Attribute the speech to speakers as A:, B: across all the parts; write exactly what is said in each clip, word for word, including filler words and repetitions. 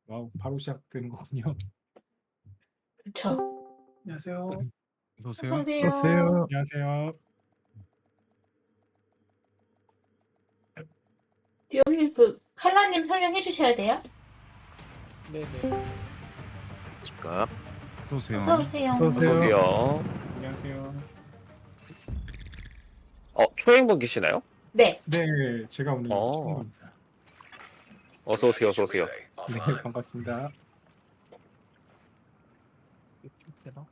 A: 와우, 바로 시작되는 거군요.
B: 그쵸.
C: 안녕하세요.
D: 어서
B: 어서
D: 오세요.
B: 오세요.
A: 안녕하세요.
B: 디오님 그 칼라님 설명해 주셔야 돼요.
C: 네네.
D: 집값. 어서 오세요.
B: 어서 오세요.
C: 어서
E: 어서 오세요.
A: 안녕하세요.
E: 어, 초행분 계시나요?
B: 네.
A: 네, 제가 오늘
E: 어.
A: 처음입니다.
E: 어서 오세요. 어서 오세요.
A: 네, 반갑습니다.
C: 되나?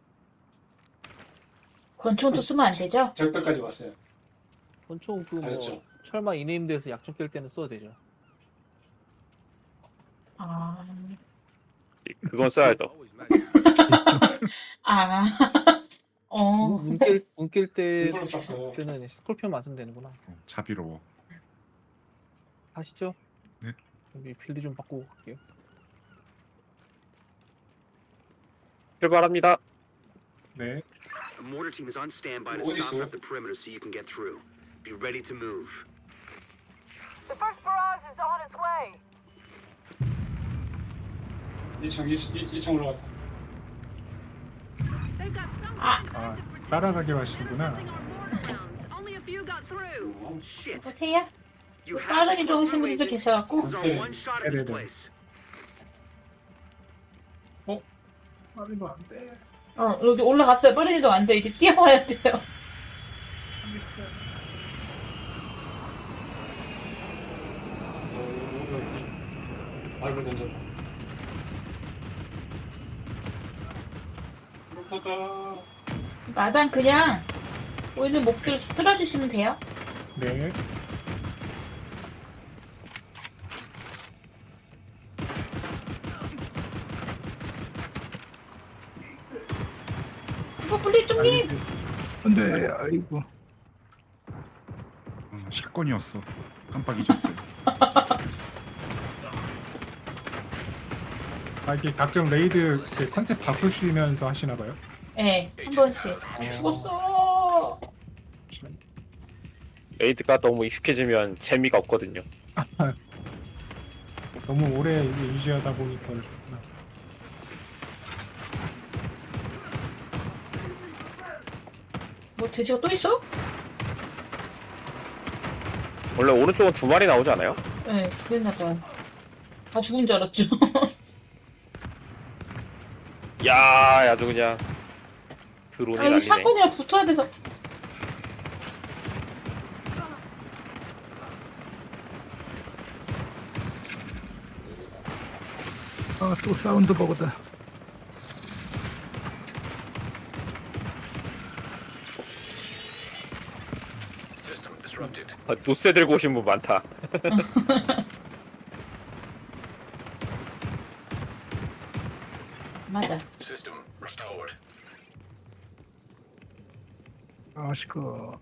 B: 권총도 쓰면 안 되죠?
F: 적배까지 왔어요.
C: 권총 그뭐
F: 가셨죠?
C: 철마 이네임드에서 약점 깰 때는 써도 되죠.
B: 아.
E: 그건 써야죠.
B: 아. 어.
C: 문깰문깰 때
F: 이걸로 쐈어요.
C: 때는 스콜피온만 쓰면 되는구나.
D: 어, 자비로워.
C: 아시죠?
D: 네.
C: 여기 빌드 좀 바꾸고 갈게요.
E: 출발합니다.
A: 네,
G: A mortar team is on standby to
F: What is
G: soften
F: it?
G: up the perimeter so you can get through. Be ready to move.
H: The first barrage is on its way.
F: 이 층, 이 층 올라갔다.
H: They've got some
B: 아.
H: kind of
A: 아,
H: defensive
A: 따라가게
H: protection
A: 하시는구나.
H: our mortar rounds. Only a few got through.
F: 어,
G: Shit.
B: 보세요.
G: You have
B: 빠른
G: to
B: 이동하신
G: cluster
B: 분들도
G: agent.
B: 계셔갖고.
G: This is our one shot at this
A: 네네네.
G: place.
F: 빠르면 안 돼.
B: 어, 여기 올라갔어요. 빠른 이동 안 돼. 이제 뛰어와야 돼요.
F: 알겠어. 어, 여기. 발을 던졌다. 그렇다가
B: 마당 그냥 보이는 목들 쓸어주시면 돼요.
A: 네,
B: 이거 블리뚱님.
C: 안돼, 아이고.
D: 어, 샷건이었어. 깜빡 잊었어요.
A: 아, 이게 가끔 레이드 이렇게 컨셉 바꾸시면서 하시나 봐요.
B: 네, 한 번씩. 죽었어.
E: 레이드가 너무 익숙해지면 재미가 없거든요.
A: 너무 오래 이게 유지하다 보니까 그렇구나.
B: 뭐 돼지가 또 있어?
E: 원래 오른쪽은 두 마리 나오지 않아요?
B: 네, 그랬나봐요. 다 죽은 줄 알았죠.
E: 야, 아주 그냥 드론이
B: 아, 이거
E: 날리네.
B: 샷건이랑 붙어야 돼서.
C: 아, 또 사운드 버그다.
E: 아, 노세 들고 오신 분 많다.
B: 맞아.
C: 아, 시끄러.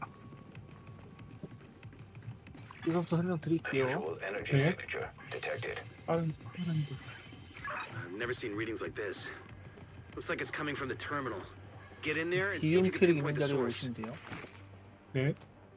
C: 이거부터 설명드릴게요.
A: 네. 빠른, 빠른 도
G: I've never seen readings like this. Looks like it's coming from the terminal. Get in there and see if
C: 기용
G: you can
C: 캐릭
G: pinpoint
C: 있는
G: the
C: 자리로
G: source.
C: 오시면 돼요.
A: 네,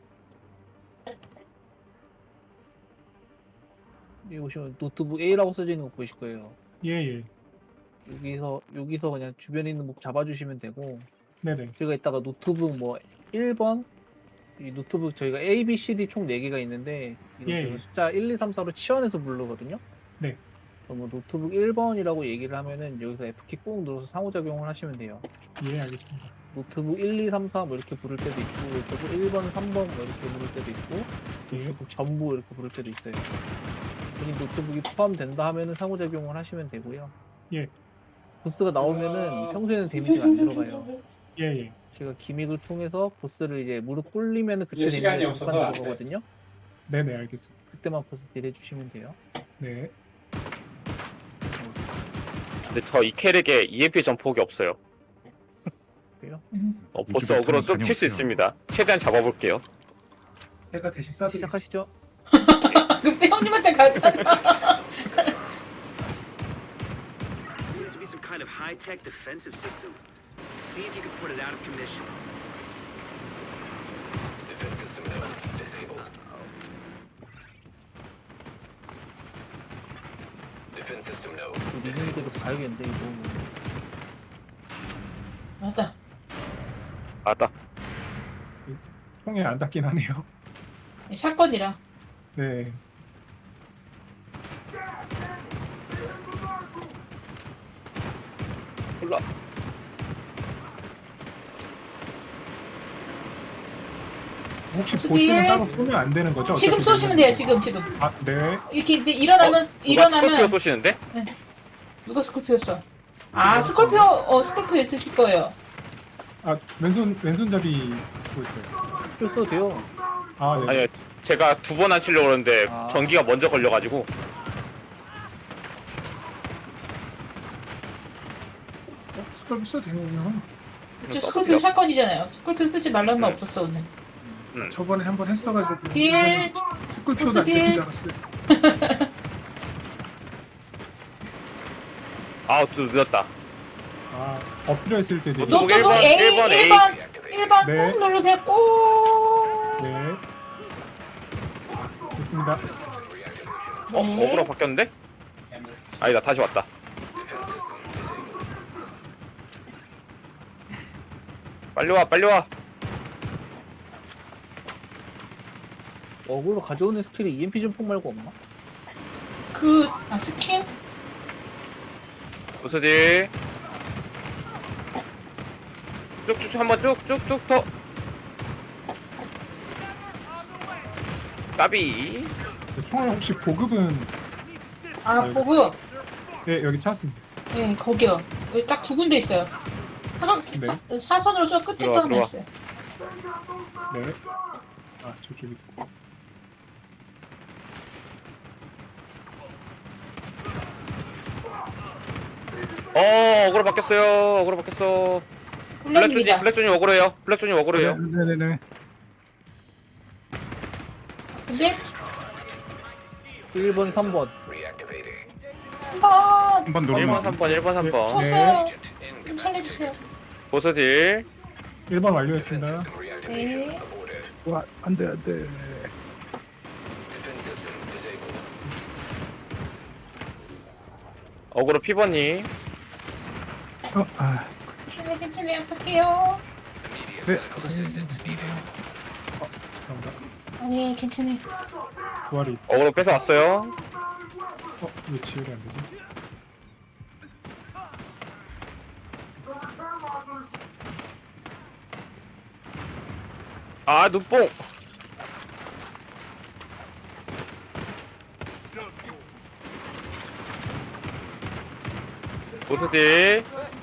C: 여기 오시면 노트북 A라고 써져 있는 거 보이실 거예요.
A: 예, 예.
C: 여기서 여기서 그냥 주변에 있는 목 잡아주시면 되고,
A: 네네.
C: 저희가 이따가 노트북 뭐 일 번 이 노트북 저희가 A, B, C, D 총 네 개가 있는데 이거
A: 예,
C: 저희가
A: 예.
C: 숫자 일, 이, 삼, 사로 치환해서 부르거든요.
A: 네.
C: 그럼 뭐 노트북 일 번이라고 얘기를 하면은 여기서 F키 꾹 눌러서 상호작용을 하시면 돼요.
A: 예, 알겠습니다.
C: 노트북 일, 이, 삼, 사 뭐 이렇게 부를 때도 있고, 노트북 일 번, 삼 번 뭐 이렇게 부를 때도 있고,
A: 예,
C: 노트북 전부 이렇게 부를 때도 있어요. 이 노트북이 포함된다 하면은 상호작용을 하시면 되고요.
A: 예.
C: 보스가 나오면은 평소에는 데미지가 안 들어가요.
A: 예, 예.
C: 제가 기믹을 통해서 보스를 이제 무릎 꿇리면은 그때
F: 이게 시간이
C: 데미지가 잠깐
F: 없어서 안 돼.
C: 들어가거든요.
A: 네네, 알겠습니다.
C: 그때만 보스 딜 해주시면 돼요.
A: 네.
E: 근데 저 이 캐릭에 이엠피 점폭이 없어요.
C: 그래요?
B: 음.
E: 어, 보스
D: 이제부터는
E: 어그로 좀 칠 수
D: 다녀오세요.
E: 있습니다. 최대한 잡아볼게요.
F: 내가 대신 쏴드리겠습니다.
C: 시작하시죠.
B: 그 형님한테 가자.
G: Seems to be some kind of high-tech defensive system. See if you can put it out of commission. Defense system disabled.
C: 리듬이대로 가야겠는데 이거.
B: 맞다.
E: 맞다.
A: 통에 안 닿긴 하네요.
B: 샷건이라.
A: 네.
E: 몰라.
A: 혹시
B: 어떻게-
A: 보스는 따로 쏘면 안 되는 거죠?
B: 지금
A: 어차피
B: 쏘시면 돼요. 지금 지금.
A: 아, 네.
B: 이렇게 이제 일어나면
E: 누가 스콜피오
B: 일어나면
E: 쏘시는데?
B: 누가 스콜피오 써? 아 스콜피오 어 스콜피오 있으실 거예요.
A: 아, 왼손 왼손잡이 쓰고 있어요.
C: 써도 돼요.
A: 아, 네.
E: 아니요. 제가 두 번 안 치려고 그러는데
C: 아.
E: 전기가 먼저 걸려가지고.
F: 스컬 써도 되는군요.
B: 저
E: 써보세요.
B: 스콜피오 샷건이잖아요. 스콜피오 쓰지 말라는 말
E: 네.
B: 없었어 오늘.
F: 저번에 한 번 했어가지고
B: 딜.
F: 스컬표도 안
B: 딜.
F: 되는 줄 알았어요.
E: 아, 또 늦었다.
A: 아, 엎드려 있을 때 되게
E: 노-
B: 노트북
E: 일 번,
B: A
E: 일 번 A.
B: 일 번 일 번
A: 네.
B: 꾹 누르세요. 꾹.
A: 네. 됐습니다.
E: 어,
B: 네.
E: 어그로 바뀌었는데? 아니다, 다시 왔다. 빨리 와, 빨리 와.
C: 어그로 가져오는 스킬이 이엠피 전폭 말고 없나?
B: 그, 아, 스킨?
E: 부서지. 쭉쭉 한번 쭉쭉쭉 더. 까비.
A: 총알 혹시 보급은
B: 아,
A: 아이고.
B: 보고요.
A: 네, 여기 찾았습니다.
B: 네, 거기요. 여기 딱 두 군데 있어요. 하나,
A: 네.
B: 사선으로 저 끝에 또
E: 들어와,
B: 하나
E: 들어와.
B: 있어요.
A: 네. 아, 저쪽이.
E: 어, 어그로 바뀌었어요. 어그로 바뀌었어. 블랙존이,
B: 블랙입니다.
E: 블랙존이 어그로예요. 블랙존이 어그로예요.
A: 네, 네, 네.
B: 근데,
C: 일 번, 삼 번.
B: 한번
D: 한 번
E: 일 번,
D: 누르면
E: 삼 번, 일 번, 삼 번.
B: 쳤어요. 좀 살려주세요.
E: 보스질.
A: 일 번 완료했습니다.
B: 네.
A: 와, 안 돼, 안 돼.
E: 어그로 피버니.
A: 어, 아,
B: 괜찮아요, 괜찮아요. 갈게요.
A: 네. 어, 잠깐만.
B: 아니, 괜찮아요.
A: 부활이 있어.
E: 어그로 뺏어왔어요.
A: 어, 왜 지혈이 안 되지?
E: 아, 눈뽕. 보스질.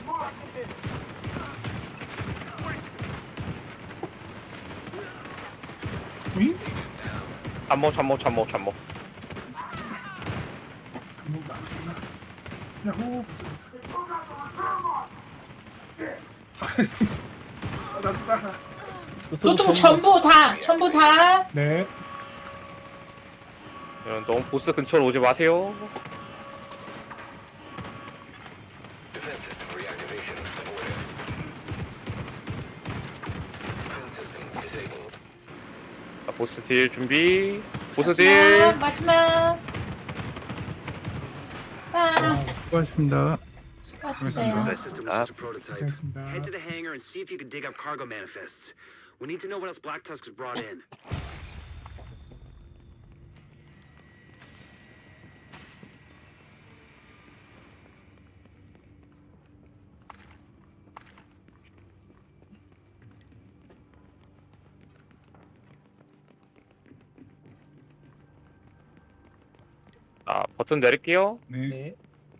A: 응?
E: 잠목, 잠목, 잠목, 잠목.
F: 야호. 아, 나도 따라.
B: 노트북 전부 다, 전부 다.
A: 네.
E: 이런 너무 보스 근처로 오지 마세요. 자, 보스 딜 준비. 보스 딜.
B: 마지막, 마지막. 아,
A: 수고하셨습니다.
B: 수고하셨어요.
G: That system was just a prototype.
A: 고생했습니다.
G: Head to the hangar and see if you can dig up cargo manifests. We need to know what else Black Tusk has brought in.
E: 아, 버튼 내릴게요.
D: 네.
C: 네.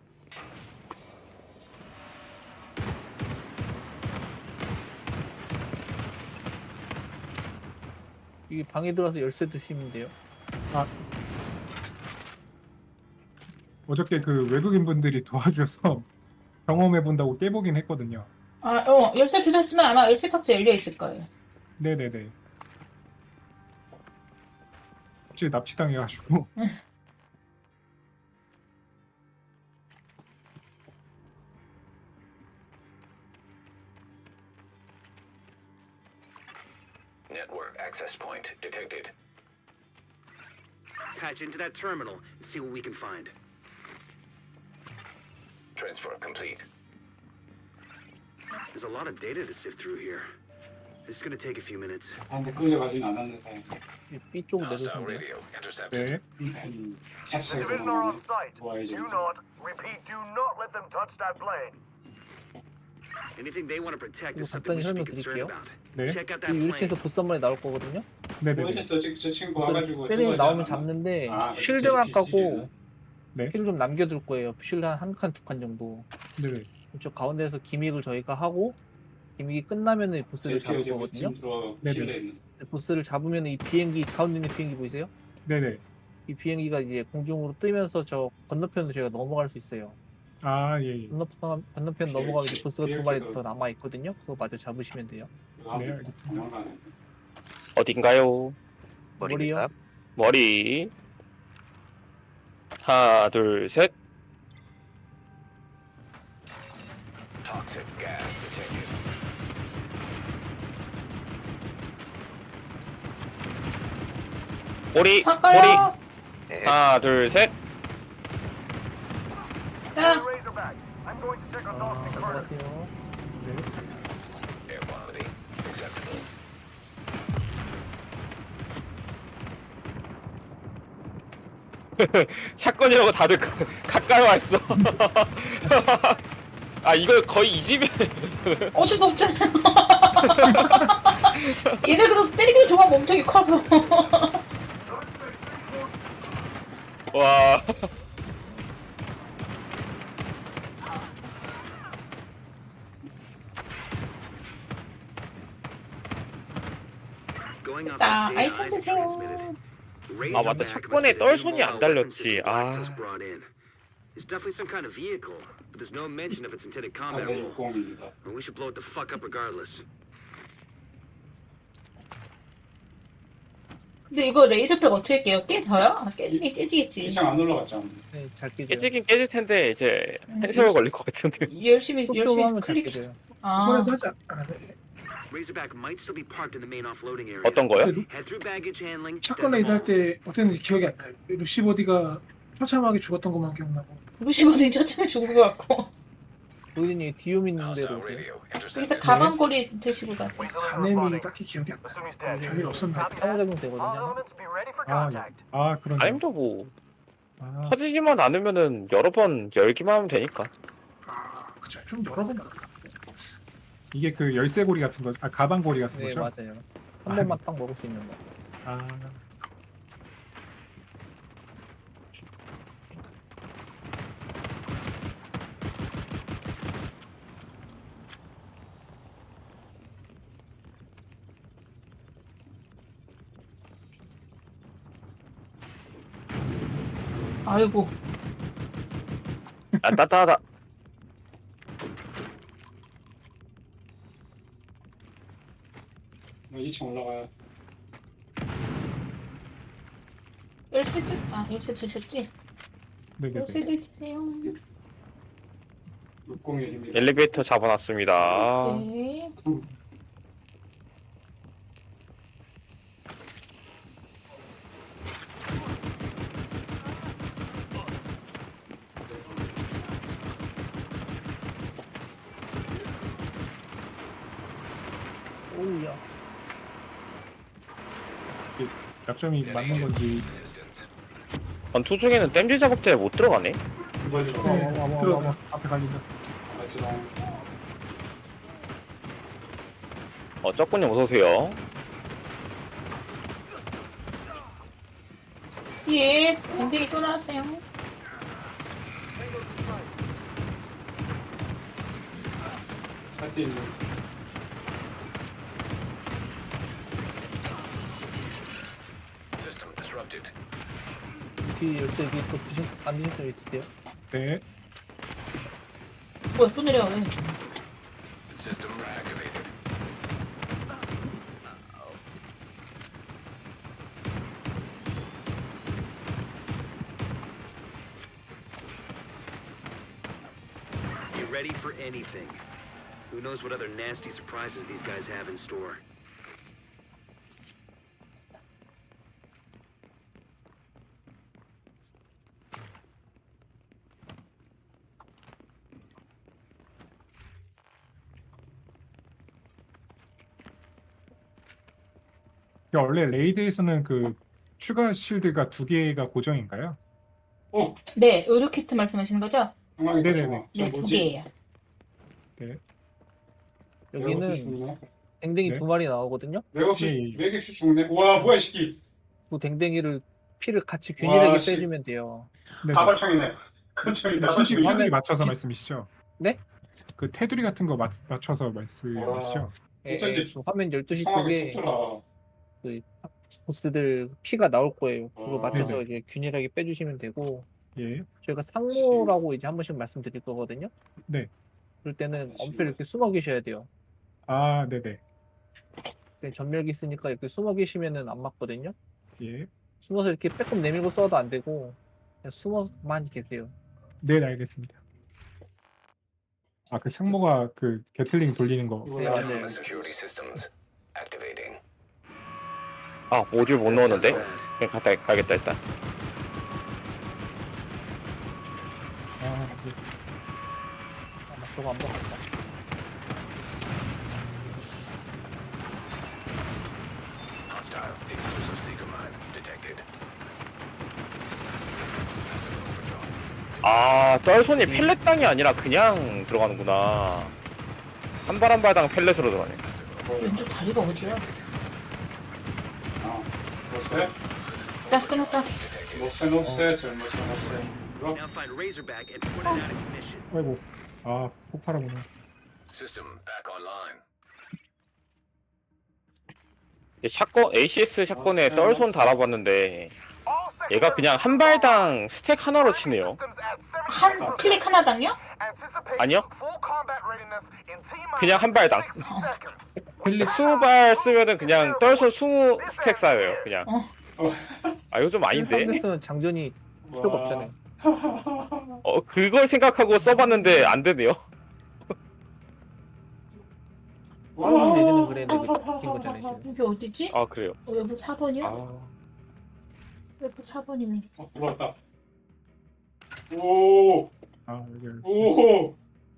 C: 이 방에 들어가서 열쇠 드시면 돼요.
A: 어저께 그 외국인 분들이 도와주셔서 경험해 본다고 깨보긴 했거든요.
B: 아, 어, 열쇠 드셨으면 아마 열쇠 박스 열려 있을 거예요.
A: 네네네. 갑자기 납치당해가지고.
I: Network access point detected.
G: Patch into that terminal and see what we can find.
I: transfer complete.
G: There's a lot of data to sift through here. This is gonna take a few minutes.
J: 아, 근데 끌려가진 않았는데.
C: 이 B 쪽
I: Hostile
C: 내려오시면 돼요.
I: radio intercepted.
A: 네.
J: 이 샷을
H: Division are on
J: 들어오네.
H: site.
J: 좋아해
H: Do
J: 좀.
H: not, repeat, do not let them touch that plane.
G: Anything they want to protect
C: 이거
G: is something we should be concerned
C: 간단히
G: about.
A: 네.
G: Check out that
C: 이
G: plane.
C: 유리체에서 보스 한 마리 나올 거거든요.
A: 네네네.
J: 어제 저, 저 친구
C: 보스
J: 와가지고.
C: 때리면
J: 저거
C: 나오면
J: 하지 않았나?
C: 잡는데
J: 아,
C: 쉴드만
J: 제
C: 까고
J: 피씨는.
A: 네.
C: 힐 좀 남겨둘 거예요. 쉴드 한 한 칸 두 칸 정도.
A: 네네.
C: 이쪽 가운데에서 기믹을 저희가 하고 기믹이 끝나면은 보스를
J: 제
C: 잡을
J: 피어제
C: 거거든요.
J: 팀 들어가고
A: 네네.
J: 실내 있는.
C: 보스를 잡으면 이 비행기 가운데 있는 비행기 보이세요?
A: 네네.
C: 이 비행기가 이제 공중으로 뜨면서 저 건너편으로 저희가 넘어갈 수 있어요.
A: 아, 예, 예.
C: 건너편 건너편
J: 비행-
C: 넘어가면 이제 보스가 두 마리
J: 비행기도-
C: 더 남아 있거든요. 그거 마저 잡으시면 돼요.
A: 네, 알겠습니다.
J: 도망가네.
E: 어딘가요?
C: 머리요?
E: 머리. 하나, 둘, 셋.
I: Toxic gas detected.
E: 머리. 머리.
B: 바꿔요.
E: 하나, 둘, 셋.
B: 야,
H: Razorback, I'm going to check on
C: 아,
H: Dawson first.
C: 넘어갔어요.
I: Air quality acceptable.
E: 샷건이라고 다들 가- 가까이 와 있어. 아 이거 거의 이 집에.
B: 어쩔 수 없잖아요. 얘네 그래도 때리기 좋아 몸통이 커서.
E: 와.
G: Going off
B: 자,
G: this data
B: 아이템
G: Isaac transmitted.
B: 드세요.
E: 아, 맞다.
G: Razorback
E: 샷건에
G: must be the
E: 떨
G: new
E: 손이 안
G: mobile weapon
E: 달렸지.
G: system
E: 아.
G: Galactus brought in. It's definitely some kind of vehicle, but there's no mention of its intended combat
J: 사대
G: role.
J: 육공입니다.
G: And we should blow it the fuck up regardless.
B: 근데 이거 레이저팩 어떻게 깨요? 깨져요? 아, 깨지긴 깨지겠지.
J: 이창 안 올라갔잖아.
C: 네, 잘 끼죠.
E: 깨지긴 깨질 텐데 이제 한 세월 걸릴 것 같은데.
B: 열심히
C: 톡톡
B: 열심히
C: 하면 잘
B: 클릭.
C: 끼져요.
B: 아,
F: 이번에도 하지 않았네.
G: Razorback might still be parked in the main offloading area.
E: 어떤 거요?
G: Head through baggage handling.
F: 샷건
G: then
F: 레이드 할
G: home.
F: 때 어땠는지 기억이 안 나요. 루시버디가 처참하게 죽었던 것만 기억나고.
B: 루시버드 처참에 죽은 것 같고.
C: 보이드님 디움 있는
I: Hostile
C: 대로 오세요.
I: radio
B: 그래서
I: intercepted.
B: 가방걸이 드시고 가세요.
H: We deliver
F: 사냄이
H: spotting.
F: 딱히 기억이 안 나.
H: Assume he's dead.
F: 별일 없었나?
H: Copy that.
C: 상호작용
H: All
C: 되거든요.
H: elements be ready for
A: 아, 예.
H: contact.
A: 아, 그런.
E: 아니면 뭐
A: 아,
E: 터지지만 않으면은 여러 번 열기만 하면 되니까.
F: 아, 그쵸. 좀 여러 번 나갔다.
A: 이게 그 열쇠고리 같은 거, 아, 가방고리 같은
C: 네,
A: 거죠?
C: 맞아요. 한 번만 딱 먹을 수 있는 거.
A: 아,
B: 아이고.
E: 아 따따하다.
J: 이창 올라가요.
B: 열쇠 드, 아 열쇠 드셨지?
A: 네네네.
B: 열쇠 드세요.
J: 육공일입니다.
E: 엘리베이터 잡아놨습니다.
B: 네.
C: 오우야.
A: 약점이 맞는 건지.
I: Assistance.
E: 전투 중에는 댐지 작업 때 못 들어가네.
J: 이번에
A: 와, 와, 와, 와, 와, 와. 앞에 갈린다.
J: 마지막
E: 어 쩍군님 어서 오세요.
B: 예, 밴딩이 또 나왔어요.
J: 할수 있는
I: System disrupted.
C: 뒤 열쇠 위에 또 드신 안 드신 위 드세요.
A: 네.
B: 뭐야, 또 내려와, 왜?
I: System reactivated.
G: Be ready for anything. Who knows what other nasty surprises these guys have in store.
A: 그 원래 레이드에서는 그 추가 실드가 두 개가 고정인가요?
J: 어,
B: 네, 의료 키트 말씀하시는 거죠?
J: 중앙에
A: 네네네.
J: 중앙.
B: 네,
J: 저
B: 두
J: 뭐지?
B: 개예요.
C: 여기는
J: 레거시 죽네.
C: 댕댕이
A: 네.
C: 두 마리 나오거든요.
J: 레거시
A: 예, 예.
J: 네 개씩 죽네. 와, 뭐야, 이 새끼.
C: 그 댕댕이를 피를 같이 균일하게
J: 와, 씨.
C: 빼주면 돼요.
A: 네네.
J: 다발총이네. 깜짝이야.
A: 그
J: 다발총이.
A: 테두리
C: 화면-
A: 맞춰서
C: 지-
A: 말씀이시죠?
C: 네?
A: 그 테두리 같은 거 맞, 맞춰서 말씀이시죠?
C: 예,
J: 어쩐지
C: 예, 그 화면 열두 시
J: 상황이
C: 쪽에
J: 춥더라.
C: 보스들 피가 나올 거예요. 그거
J: 아.
C: 맞춰서
A: 네네.
C: 이제 균일하게 빼주시면 되고
A: 예.
C: 저희가 상모라고 이제 한 번씩 말씀드릴 거거든요.
A: 네.
C: 그럴 때는 엄폐를 이렇게 숨어 계셔야 돼요.
A: 아, 네네.
C: 근데 전멸기 있으니까 이렇게 숨어 계시면은 안 맞거든요.
A: 예.
C: 숨어서 이렇게 빼꼼 내밀고 써도 안 되고 그냥 숨어만 계세요.
A: 네, 알겠습니다. 아, 그 상모가 그 게틀링 돌리는 거.
C: 네, 맞아요.
I: Autonomous security systems activating.
E: 아 모듈 못 넣었는데?
G: That's bad.
E: 그냥 갔다 가겠다 일단.
A: 아, 네.
C: 아마 저거 안 먹었다.
I: Hostile exclusive seeker mine detected. Massive overdrive.
E: 아 떨손이 펠렛 땅이 아니라 그냥 들어가는구나. 한 발 한 발당 펠렛으로 들어가네.
B: 왼쪽 다리가 어디야?
J: 아, 노세?
B: 딱 끊었다.
J: 노세, 노세, 젊었어, 노세. 이거?
G: Now find Razorback and put it out of commission.
A: 아이고. 아, 폭발하구나.
I: System back online.
E: 샷건 에이씨에스 샷건에 떨손 달아봤는데 얘가 그냥 한 발당 스택 하나로 치네요.
B: 한 클릭 하나당요?
E: 아니요. 그냥 한 발당. 스무 발 쓰면은 그냥 떨손 스무 스택 쌓여요. 그냥. 아 이거 좀 아닌데?
C: 상대스는 장전이 필요가
J: 와.
C: 없잖아요.
E: 어 그걸 생각하고 써봤는데 안 되네요.
C: 싸우는 예전에 그랬는데 그게 바뀐 거잖아요 지금.
B: 여기 어디지?
E: 아 그래요.
B: 어, 여기 사 번이요?
E: 아
B: 여기 사 번이면.
J: 어, 들어왔다. 오,
A: 아, 여기 알겠어.
J: 오,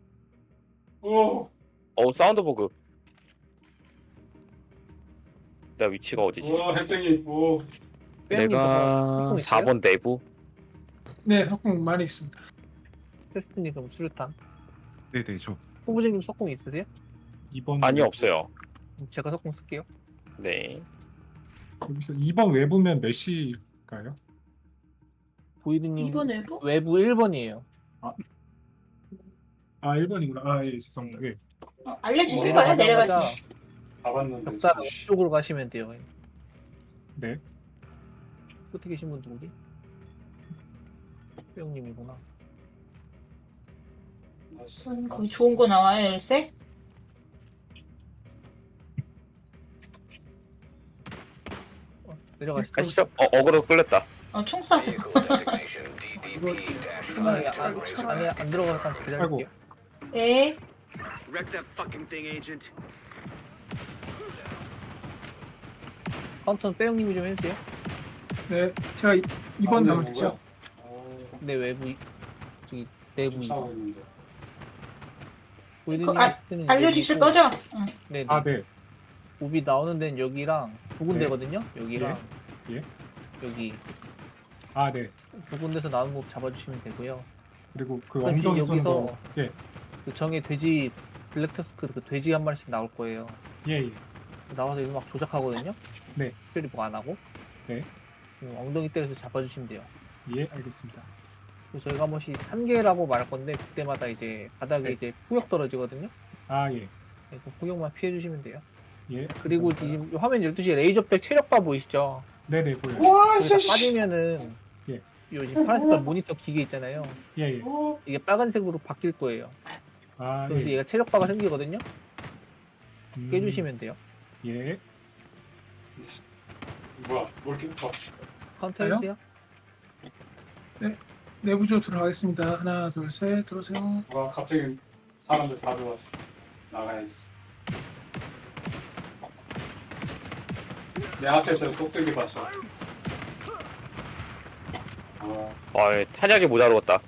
J: 오,
E: 어 사운드 버그. 내가 위치가 어디지?
J: 와, 혜택이, 오.
C: 빼앗긴
E: 내가
C: 저거 있어요?
E: 사 번 내부.
F: 네, 석궁 많이 있습니다.
C: 테스트님 그럼 수류탄.
D: 네네 저
C: 후보자님 석궁 있으세요?
A: 이 번
E: 아니 없어요.
C: 그럼 제가 석궁 쓸게요.
E: 네.
A: 여기서 이 번 외부면 몇 시일까요?
C: 보이드님
B: 이 번 외부?
C: 외부 일 번이에요.
A: 아, 일 번이구나. 아, 예, 죄송합니다. 예.
B: 어, 알려주실 거예요? 내려가시면.
J: 가봤는데.
C: 벽다
J: 씨.
C: 쪽으로 가시면 돼요.
A: 네.
C: 끝에 계신 분 누구지? 빼용님이구나.
B: 무슨 거기 좋은 거 나와요, 열쇠?
C: 어, 내려가시죠.
E: 가시죠. 어 어그로 끌렸다.
B: 어, 총 쏴서.
I: Vehicle designation D D P
C: 안에
I: five
C: 안,
I: to
C: 안에 안 들어가서 잠깐 기다릴게요.
B: 네.
G: Wreck that fucking thing, Agent.
C: 카운터는 빼용님이 좀 해주세요.
F: 네, 제가 이 번
J: 아,
F: 가면
J: 네,
F: 되죠?
J: 어,
C: 내 외부 저기 내부
J: 좀 싸우고 있는데.
C: 보이드님
B: 그거 알-
C: 했을 때는
B: 알려주실
C: 여기고,
B: 거죠? 응.
C: 네, 네.
A: 아, 네.
C: 몹이 나오는 데는 여기랑 두 군데거든요. 여기랑
A: 예.
C: 여기
A: 아, 네.
C: 두 군데서 나오는 몹 잡아주시면 되고요.
A: 그리고 그
C: 그럼
A: 엉덩이 쏘는
C: 여기서
A: 거. 예.
C: 그 정의 돼지 블랙터스크 그 돼지 한 마리씩 나올 거예요.
A: 예, 예.
C: 나와서 이거 막 조작하거든요.
A: 네.
C: 특별히 뭐 안 하고.
A: 네.
C: 음, 엉덩이 때려서 잡아주시면 돼요.
A: 예, 알겠습니다.
C: 그래서 저희가 한 번씩 산계라고 말할 건데 그때마다 이제 바닥에
A: 네.
C: 이제 폭격 떨어지거든요.
A: 아, 예.
C: 네, 그 폭격만 피해주시면 돼요.
A: 예.
C: 그리고
A: 감사합니다.
C: 지금 화면 열두 시에 레이저백 체력바 보이시죠?
A: 네네, 보여요.
J: 와,
C: 거기다
J: 씨.
C: 빠지면은
A: 예.
C: 요 지금 파란색깔 모니터 기계 있잖아요.
A: 예, 예.
J: 오,
C: 이게 빨간색으로 바뀔 거예요.
A: 아,
C: 그래서
A: 예.
C: 얘가 체력바가 생기거든요.
A: 음,
C: 깨주시면 돼요.
A: 예.
J: 뭐야, 뭘 이렇게 더.
C: 카운터
F: 아요?
C: 해주세요.
F: 내부조 들어가겠습니다. 하나, 둘, 셋, 들어오세요.
J: 와, 갑자기 사람들 다 들어왔어. 나가야지. 내 앞에서 똑똑히 봤어. 아,
E: 아 탄약이 모자르겠다.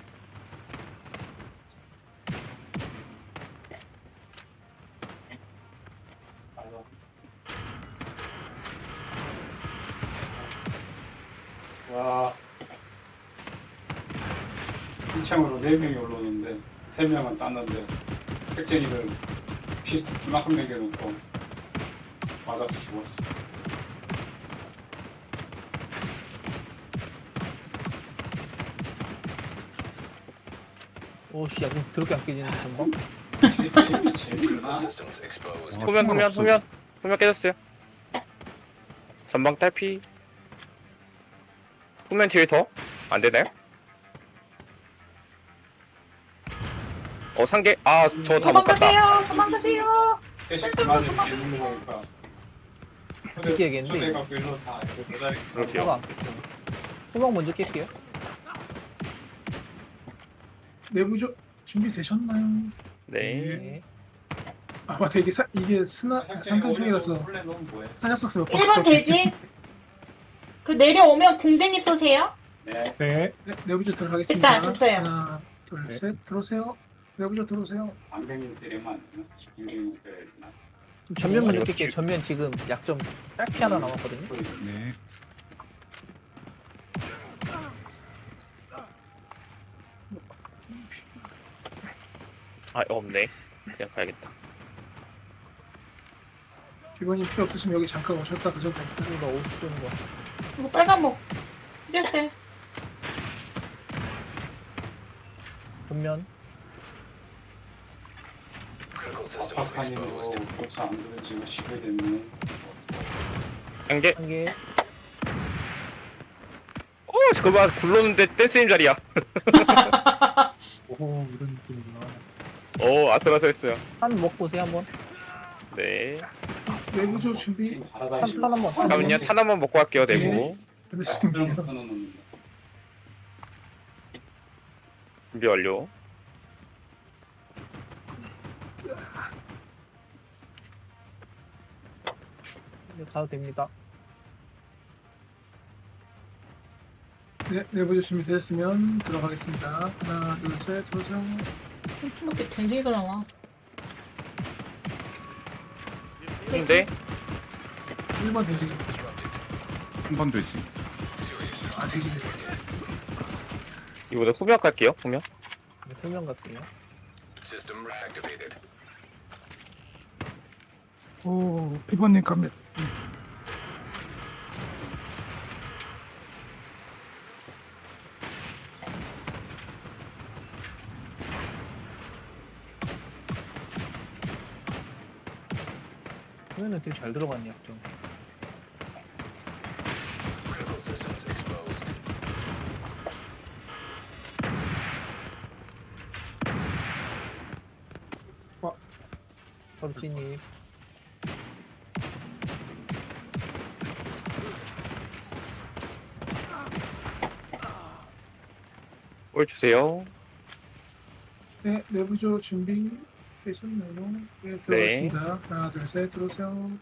J: 맞아. 한창으로 네 명이 올라오는데 세 명은 땄는데 핵쟁이들 피 그만큼 남겨놓고 맞아서 죽었어.
C: 오씨, 야, 좀 더럽게 안 깨지는 전방?
J: 게임이 재밌나?
I: Systems exposed.
E: 후면 후면 후면 후면 깨졌어요. 전방 딸피. 후면 뒤에 더? 안 되나요? 어 상계 아 저 다 못 갔다.
B: 도망가세요. 도망가세요.
J: 대신 그만을 있는 거니까.
C: 지켜야겠는데, 이거.
J: 내가 별로 다 이거 도다리.
E: 그럴게요.
C: 후방 안 깼어. 후방 먼저 깰게요.
F: 내부조 준비되셨나요?
E: 네.
C: 네.
F: 아 맞다 이게 사, 이게 스나 삼탄 중이라서
J: 원래 넌 뭐해?
F: 한약 박스 몇
B: 일 번 대진. 그 내려오면 궁뎅이 쏘세요.
J: 네.
A: 네.
F: 네, 내부조 들어가겠습니다.
B: 됐다, 됐어요.
F: 하나, 둘,
J: 네.
F: 셋, 들어오세요. 내부조 들어오세요.
J: 안경이 때리면 안 되나? 안경이 때려야 되나?
C: 좀 전면 먼저
E: 이거
C: 깰게요. 전면 지금 약점 딸피 하나 남았거든요.
D: 네.
E: 아 없네. 그냥 가야겠다.
F: 비번님 필요 없으시면 여기 잠깐 오셨다 그전 됩니다.
C: 이거 오십 쏘는 거.
B: 이거 빨간 목. 이랬어요.
C: 전면.
I: Critical systems
J: 박하님도
I: exposed.
J: 고차 안 들은 지금 십일 됐네.
E: 상계.
C: 한 개.
E: 어 잠깐만 굴렀는데 댄스님 자리야.
A: 오 이런 느낌이구나.
E: 오 아슬아슬했어요.
C: 한 먹고 보세요, 한번.
E: 네.
F: 내부조 준비
C: 삼탄 한번.
E: 잠깐만요. 탄 한번 먹고 갈게요. 내부
F: 되셨습니다.
E: 준비 완료.
C: 이제 가도 됩니다.
F: 네, 내부조 준비되셨으면 들어가겠습니다. 하나, 둘, 셋, 들어오세요.
B: 이렇게 댕댕이가 나와.
E: 근데
F: 일 번 대기.
D: 한 번 되지.
F: 아 대기.
E: 이번에 후면 갈게요. 후면.
C: 네, 설명 갈게요.
I: System reactivated.
D: 오, 피번님 가면.
C: 후면은 되게 잘 들어갔네, 약점.
I: Critical systems exposed.
C: 바로 진입.
E: 올 주세요.
F: 네, 내부조 준비 되셨나요? 네, 들어가겠습니다. 하나, 둘, 셋, 들어오세요.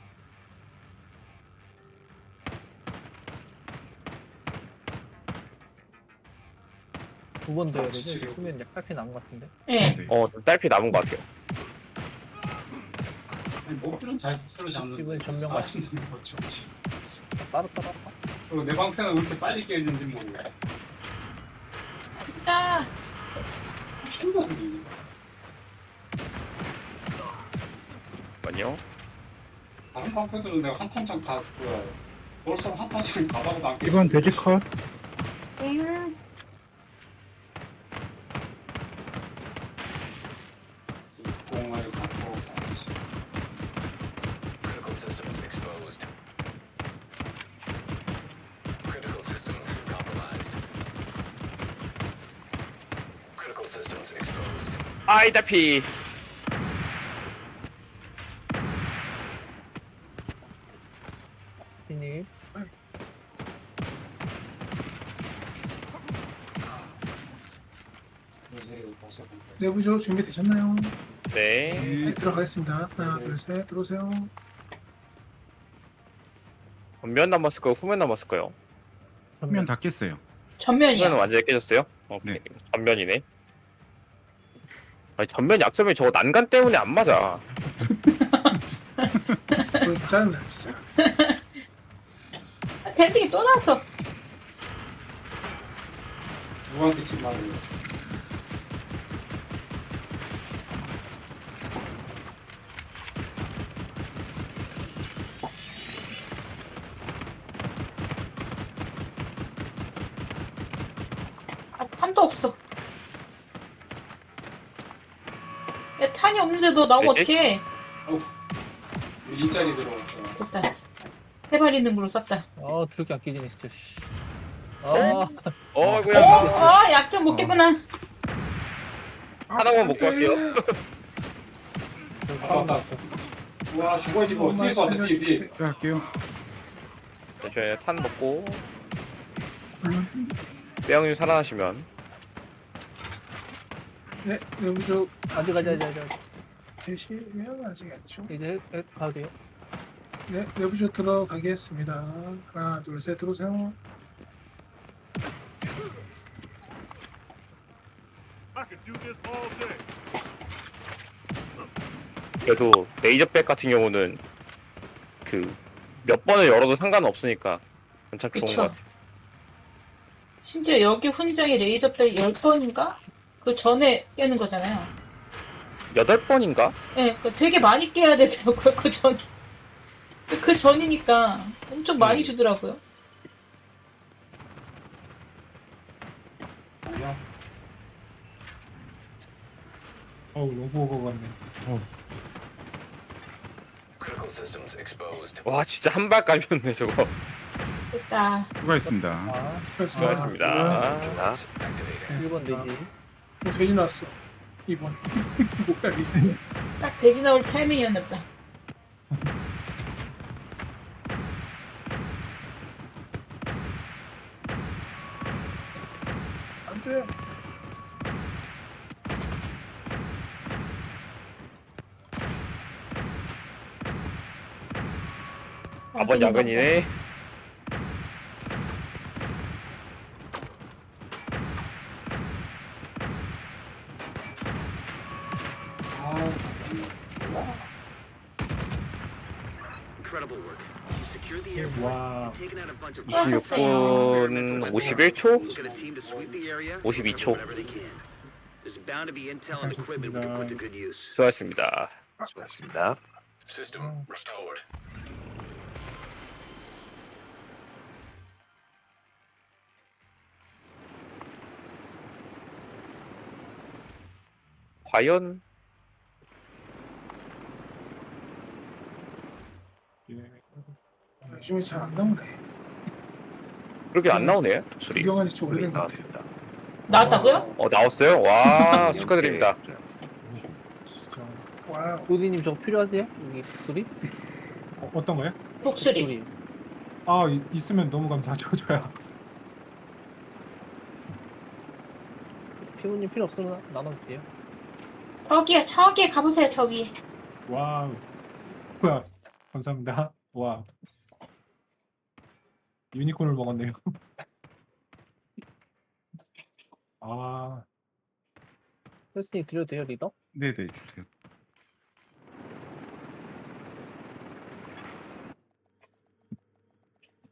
C: 두 번 더 해야 되죠? 이제 후면 약 딸피 남은 것 같은데.
B: 네.
D: 네.
E: 어 딸피 남은 것 같아요.
J: 목표는 잘 스스로 잡는.
C: 이번엔 전면 맞추-
J: 맞추지.
C: 따로 따로.
J: 그리고 내 방패는 왜 이렇게 빨리 깨지는지 모르겠어.
B: 자,
J: 신기하네.
E: 잠깐만요.
J: 다른 방패들은 내가 한 탄창 다 그. 벌써 한 탄창 다 박아도 안 깨.
A: 이번 돼지 컷.
B: 응.
J: 공을 갖고 가야지.
I: Critical systems exposed. Critical systems compromised. Critical systems exposed.
E: 아이 딸피.
C: 진입.
F: 내부조 준비되셨나요?
E: 네.
F: 네, 들어가겠습니다. 하나, 둘, 셋, 들어오세요.
E: 전면 남았을까요? 후면 남았을까요?
D: 화면 다 깼어요.
B: 전면이야.
E: 후면은 완전히 깨졌어요? 오케이.
D: 네.
E: 전면이네. 아니 전면 약점이 저거 난간 때문에 안 맞아.
F: 그거 짜증나 진짜.
B: 댕댕이 또 나왔어.
J: 누구한테 집 말해요?
B: 아, 탄도 없어. 야, 탄이 없는데도 나오면
E: 되지?
B: 어떡해.
J: 일자리 들어왔어.
B: 됐다. 세 발 있는 걸로 쐈다.
C: 아 드럽게 안 끼지네 진짜. 씨. 아
B: 어,
E: 어이구야.
B: 어, 약점 먹겠구나.
E: 하나만 먹고 갈게요.
J: 아깝다. 와, 죽어, 죽어. 뒤에서 왔다, 뒤에, 뒤에.
D: 제가 할게요.
E: 저희 탄 먹고 빼양님 살아나시면
F: 네, 여기서
C: 아직 아직 아직 아직.
F: 되시면 아직 안죠.
C: 이제 해, 해, 가도 돼요?
F: 네, 내부조 들어가겠습니다. 하나, 둘, 셋 들어오세요.
E: 그래도 레이저백 같은 경우는 그 몇 번을 열어도 상관없으니까 괜찮 좋은
B: 그쵸.
E: 것 같아.
B: 심지어 여기 훈장이 레이저백 열 번인가? 그 전에 깨는 거잖아요.
E: 여덟 번인가?
B: 예, 네, 되게 많이 깨야 되더라고요, 그 전. 그 전이니까 엄청 많이 주더라고요.
A: 뭐야? 어우 로보거 같네.
I: Critical systems exposed.
E: 와 진짜 한 발 까면네 저거.
B: 됐다.
D: 수고하셨습니다.
C: 아
E: 수고하셨습니다.
I: Drones activating.
C: 일 번 되지.
F: 뭐 돼지 나왔어. 이 번. 뭐야 이게.
B: 딱 돼지 나올 타이밍이었나 보다.
F: 안 돼.
E: 아번 야근이네.
G: Incredible work. You secured the airport.
A: 와.
G: You've taken out a bunch of
E: 이십육 분 오십일 초?
G: You've got a team to sweep the area.
E: 오십이 초.
G: Whatever they can. There's bound to be intel and equipment we can put to good use.
E: 수고하셨습니다.
I: 수고하셨습니다. System restored.
E: 과연
A: 예.
F: 요즘에 잘 안 나오네.
E: 그렇게 안 나오네 소리.
F: 구경한 지 좀 오래된 것 같아.
B: 나왔다고요?
E: 어 나왔어요? 와 축하드립니다.
A: 진짜.
F: 와우.
C: 도디님 저거 필요하세요? 여기 소리?
A: 어, 어떤 거요?
B: 독수리.
C: 소리.
A: 아 이- 있으면 너무 감사하죠 저야.
C: 피부님 필요 없으면 나눠줄게요.
B: 저기요, 저기 가보세요, 저기.
A: 와우. 뭐야? 감사합니다. 와. 유니콘을 먹었네요. 아.
C: 헬스님 드려도 돼요 리더?
D: 네네 주세요.